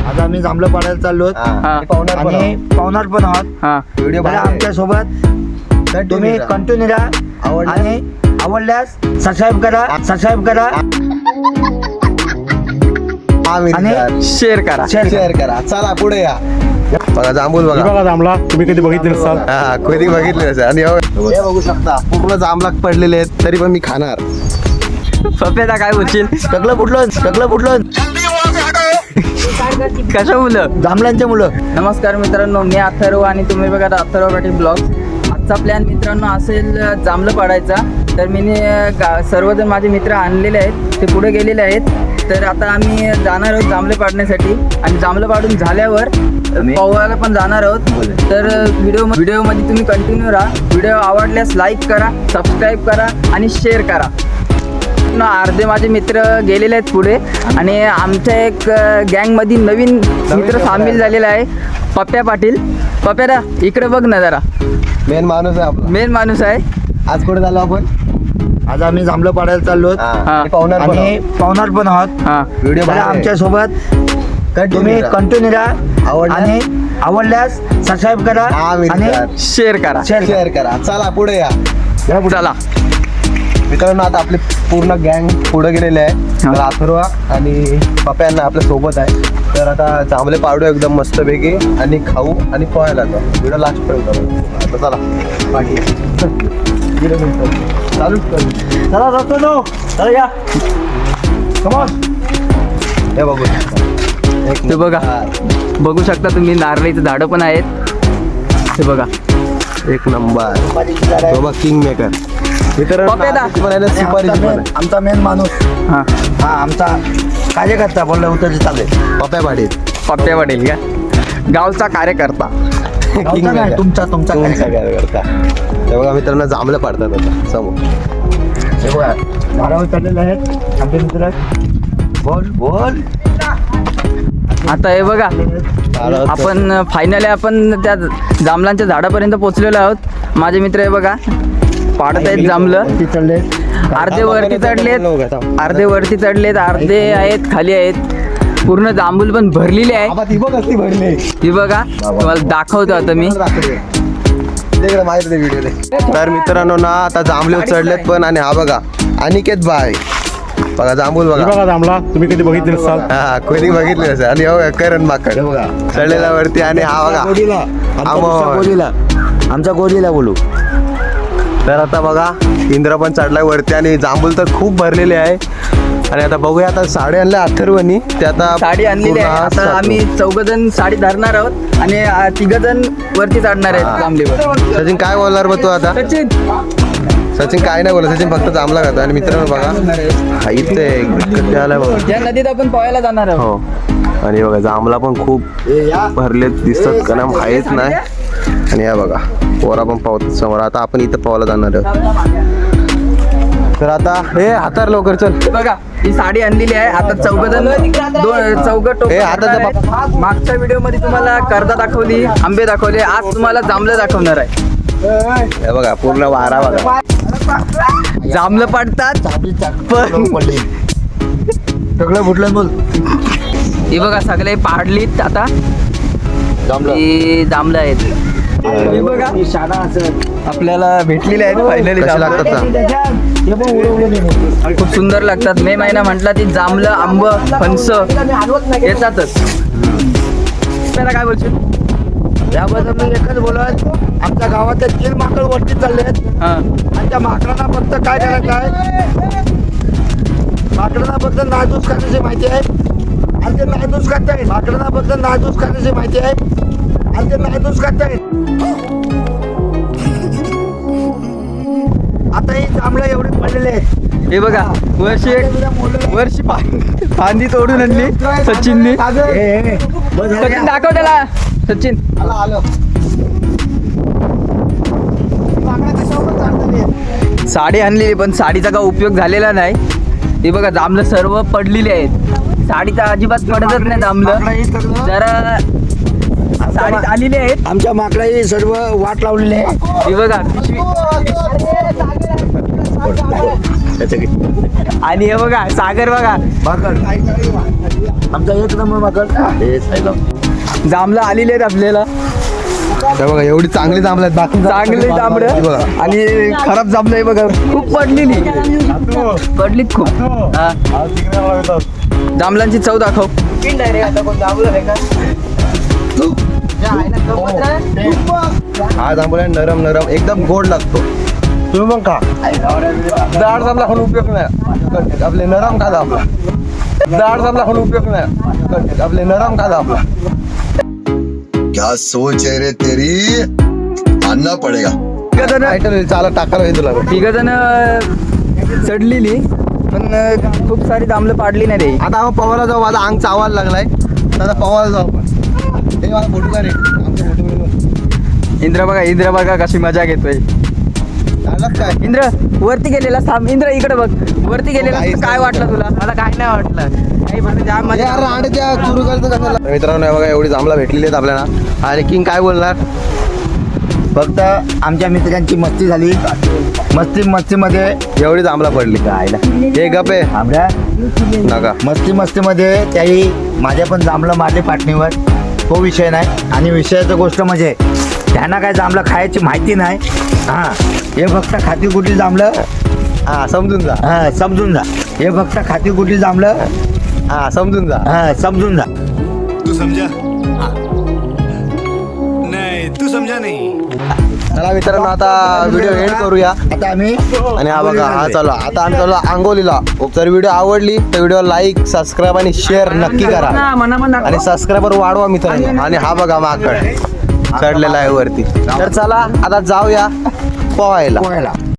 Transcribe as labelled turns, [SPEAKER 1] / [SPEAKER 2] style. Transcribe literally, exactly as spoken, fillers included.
[SPEAKER 1] आता आम्ही जांभळं पाडायला चाललो आणि पाहुणार पण आहोत. व्हिडिओ आमच्या सोबत तुम्ही कंटिन्यू राहा आणि आवडल्यास सबस्क्राईब करा सबस्क्राईब करा
[SPEAKER 2] आणि शेअर करा
[SPEAKER 3] शेअर करा. चला पुढे या. बघा जांभूळ बघा.
[SPEAKER 4] बघा जांभळा तुम्ही कधी बघितले नसाल.
[SPEAKER 3] हा कधी बघितले नसेल. आणि हे बघू शकता पूर्ण जांभळा पडलेले आहेत तरी पण मी खाणार.
[SPEAKER 2] पप्प्याला काय बोलशील?
[SPEAKER 1] सगळं फुटलं सगळं फुटलं
[SPEAKER 2] कशा मुलं?
[SPEAKER 1] जांभळांच्या मुलं.
[SPEAKER 2] नमस्कार मित्रांनो, मी अथर्व आणि तुम्ही बघा अथर्व पाटील ब्लॉग. आजचा प्लॅन मित्रांनो असेल जांभळं पाडायचा. तर मी सर्वजण माझे मित्र आणलेले आहेत, ते पुढे गेलेले आहेत. तर आता आम्ही जाणार आहोत जांभळे पाडण्यासाठी आणि जांभळं पाडून झाल्यावर पोहायला पण जाणार आहोत. तर व्हिडिओ व्हिडिओमध्ये तुम्ही कंटिन्यू राहा. व्हिडिओ आवडल्यास लाईक करा, सबस्क्राईब करा आणि शेअर करा. अर्धे माझे मित्र गेलेले आहेत पुढे आणि आमच्या एक गँगमध्ये नवीन मित्र सामील झालेला आहे, पप्प्या पाटील. पप्प्याला इकडे बघ ना जरा.
[SPEAKER 3] मेन माणूस आहे आपला.
[SPEAKER 2] मेन माणूस आहे.
[SPEAKER 3] आज कुठे झालो आपण?
[SPEAKER 1] आज आम्ही जांभळं पाडायला चाललो
[SPEAKER 3] आणि पाहुणार
[SPEAKER 1] आणि पाहुणार पण आहोत.
[SPEAKER 2] हा
[SPEAKER 3] व्हिडिओ
[SPEAKER 1] आमच्या सोबत तुम्ही कंटिन्यू राहा आणि आवडल्यास सबस्क्राईब करा आणि
[SPEAKER 2] शेअर करा
[SPEAKER 3] शेअर करा. चला पुढे या.
[SPEAKER 2] चला
[SPEAKER 3] मित्रांनो आता आपले पूर्ण गँग पुढे गेलेले आहे. तर अथर्वा आणि पप्प्यांना आपल्या सोबत आहे. तर आता जांभळे पाडू एकदम मस्तपैकी आणि खाऊ आणि पोहायला जाऊ. व्हिडिओ लास्ट पर्यंत आता चला पाठी चालूच करू.
[SPEAKER 1] चला जातो नो चला या कमॉन.
[SPEAKER 3] हे बघू
[SPEAKER 2] ते बघा बघू शकता तुम्ही, नारळीचं झाडं पण आहेत. हे बघा
[SPEAKER 3] एक नंबर. बघा किंग मेकर.
[SPEAKER 1] आमचा मेन माणूस
[SPEAKER 2] हा
[SPEAKER 1] हा आमचा कार्यकर्ता बोलला उतर चालेल.
[SPEAKER 3] पप्प्या पाटील.
[SPEAKER 2] पप्प्या पाटील का गावचा कार्यकर्ता.
[SPEAKER 1] गावचा नाही, तुमचा तुमचा
[SPEAKER 3] कार्यकर्ता. हे बघा मित्रांनो जांभळं पाडतात आता समोर.
[SPEAKER 1] हे बघा झाडावर चढलेले आहेत आमचे मित्र. बोल बोल.
[SPEAKER 2] आता हे बघा आपण फायनली आपण त्या जांभळांच्या झाडापर्यंत पोहोचलेलो आहोत. माझे मित्र हे बघा पाडत आहेत जांभळं. अर्धे वरती चढलेत अर्धे वरती चढलेत अर्धे आहेत खाली आहेत. पूर्ण जांभूळ पण भरलेली आहे. ही बघा तुम्हाला दाखवतो आता मी.
[SPEAKER 3] तर मित्रांनो ना आता जांभळे चढलेत पण. आणि हा बघा अनिकेत भाई बघा जांभूळ बघा.
[SPEAKER 4] बघा जांभळा तुम्ही कधी बघितले नसाल.
[SPEAKER 3] हा कधी बघितले नसेल. आणि हो करण माकड चढलेला वरती. आणि हा बघा
[SPEAKER 1] गोरीला आमचा गोरीला बोलू.
[SPEAKER 3] तर आता बघा इंद्र पण चढलाय वरती आणि जांभूळ तर खूप भरलेले आहे. आणि आता बघूया आता साडी आणल्या अथर्वनी. ते आता
[SPEAKER 2] साडी आणलेली आहे. आता आम्ही चौघ जण साडी धरणार आहोत आणि तिघ जण वरती चढणार आहेत जांभळीवर.
[SPEAKER 3] सचिन काय बोलणार बघ तू आता?
[SPEAKER 2] सचिन
[SPEAKER 3] सचिन काय नाही बोलत. सचिन फक्त जांभळा खातो. आणि मित्रांनो बघा हा इथे कधी आलाय बघा.
[SPEAKER 2] या नदीत आपण पोहायला जाणार आहोत.
[SPEAKER 3] हो आणि बघा जांभळा पण खूप भरलेत दिसतात का ना आहेच नाही. आणि या बघा पोरा पण पावतात समोर. आता आपण इथं पोहायला जाणार आहोत. तर आता हे हातार लवकर चल.
[SPEAKER 2] बघा ही साडी आणलेली आहे. आता चौघ जण दोन चौघ टोक. मागच्या व्हिडिओ मध्ये तुम्हाला कर्दा दाखवली, आंबे दाखवले. आज तुम्हाला जांभळं दाखवणार आहे.
[SPEAKER 3] हे बघा पूर्ण वारा बघा.
[SPEAKER 2] जांभळं पाडतात पण
[SPEAKER 1] सगळं फुटलं बोल.
[SPEAKER 2] हे बघा सगळे पाडलीत. आता जांभळं आहेत. हे बघा आपल्याला भेटलेले आहेत फायनली. खूप सुंदर लागतात. मे महिना म्हटला ती जांभळं आंब फणस येतातच. त्याला काय बोलशील?
[SPEAKER 1] याबद्दल मी एकच बोलत, आमच्या गावात तीन माकड वरती चालले आहेत.
[SPEAKER 2] हा
[SPEAKER 1] आणि त्या माकडांना फक्त काय करायचं आहे, माकडांना फक्त नादूस करण्याची माहिती आहे. आणि ते नादूस करतायत. माकडांना फक्त नादूस करण्याची माहिती आहे आणि ते नादूस करतायत. आता ही जांभळं एवढे पडलेले आहेत.
[SPEAKER 2] हे बघा वर्षी वर्षी फांदी तोडून आणली सचिननी. सचिन दाखव त्याला. सचिन साडी आणलेली पण साडीचा काय उपयोग झालेला नाही. हे बघा जांभळं सर्व पडलेली आहेत. साडीचा अजिबात पडतच नाही जांभळं. जरा साडीत आलेली आहेत.
[SPEAKER 1] आमच्या माकडाची सर्व वाट लावलेली आहे.
[SPEAKER 2] हे बघा आणि हे बघा सागर बघा
[SPEAKER 1] माकड आमचा एक नंबर माकड हे साईबाब.
[SPEAKER 2] जांभळं आलेले आहेत आपल्याला,
[SPEAKER 3] हे बघा एवढी चांगली जांभळं आहेत बाकी
[SPEAKER 2] चांगले जांभळं
[SPEAKER 3] बघा.
[SPEAKER 2] आणि खराब जांभळं आहे बघा, खूप पडलेली पडलीत खूप. हा. जांभळांची चव दाखव.
[SPEAKER 3] हा जांभूळ आहे नरम नरम एकदम गोड लागतो. तुम्ही मग खा. जाड जांभळा खाऊन उपयोग नाही, आपले नरम खा जांभळा. जाड जांभळा खाऊन उपयोग नाही, आपले नरम खा जांभळा.
[SPEAKER 5] क्या सोच है रे तेरी, मानना पड़ेगा.
[SPEAKER 2] तिघ जण
[SPEAKER 3] टायटल चाला टाकायला हे तुला.
[SPEAKER 2] तिघ जण चढलेली पण अं, खूप सारी जांभळं पाडली नाही रे.
[SPEAKER 3] आता आपण पवायला जाऊ. माझा अंग चावायला लागलाय तर आता पवायला जाऊ आपण. हे मला फोटो का रे आमच्या फोटो
[SPEAKER 2] इंद्र बघा, इंद्र बघा कशी मजा घेतोय.
[SPEAKER 3] झालं काय.
[SPEAKER 2] इंद्र वरती गेलेला थांब. इंद्र इकडे बघ, वरती गेलेला
[SPEAKER 3] काहीच
[SPEAKER 2] काय
[SPEAKER 3] नाही
[SPEAKER 2] वाटलं तुला? मला काय नाही वाटलं, काही पण जाम मजा.
[SPEAKER 3] यार रांडच्या सुरू करायचं कशाला. मित्रांनो हे बघा एवढी जांभळा भेटलेली आहेत आपल्याला. आणि किंग काय बोलणार.
[SPEAKER 1] फक्त आमच्या मित्रांची मस्ती झाली. मस्ती मस्तीमध्ये
[SPEAKER 3] एवढी जांभळा पडली
[SPEAKER 1] राहिला
[SPEAKER 3] हे गपे
[SPEAKER 1] आमच्या
[SPEAKER 3] नका.
[SPEAKER 1] मस्ती मस्तीमध्ये त्याही माझ्या पण जांभळं मारले पाटणीवर. तो विषय नाही. आणि विषयाचं गोष्ट म्हणजे त्यांना काय जांभळं खायची माहिती नाही. हां हे फक्त खाती कुठली जांभळं.
[SPEAKER 3] हा समजून जा.
[SPEAKER 1] हां समजून जा. हे फक्त खाती कुठली जांभळं.
[SPEAKER 3] हा समजून जा.
[SPEAKER 1] हां समजून जा.
[SPEAKER 6] तू समझा? नहीं तू समझा नहीं.
[SPEAKER 3] चला मित्रांनो आता व्हिडिओ एंड करूया.
[SPEAKER 1] आता आम्ही
[SPEAKER 3] आणि हा बघा हा चालू आता आम्ही चालू आंगोलीला. जर व्हिडिओ आवडली तर व्हिडिओ लाईक सबस्क्राईब आणि शेअर नक्की करा. आणि सबस्क्रायबर वाढवा मित्रांनो. आणि हा बघा माकड चढलेला आहे वरती. तर चला आता जाऊया पोहायला.
[SPEAKER 1] पोहायला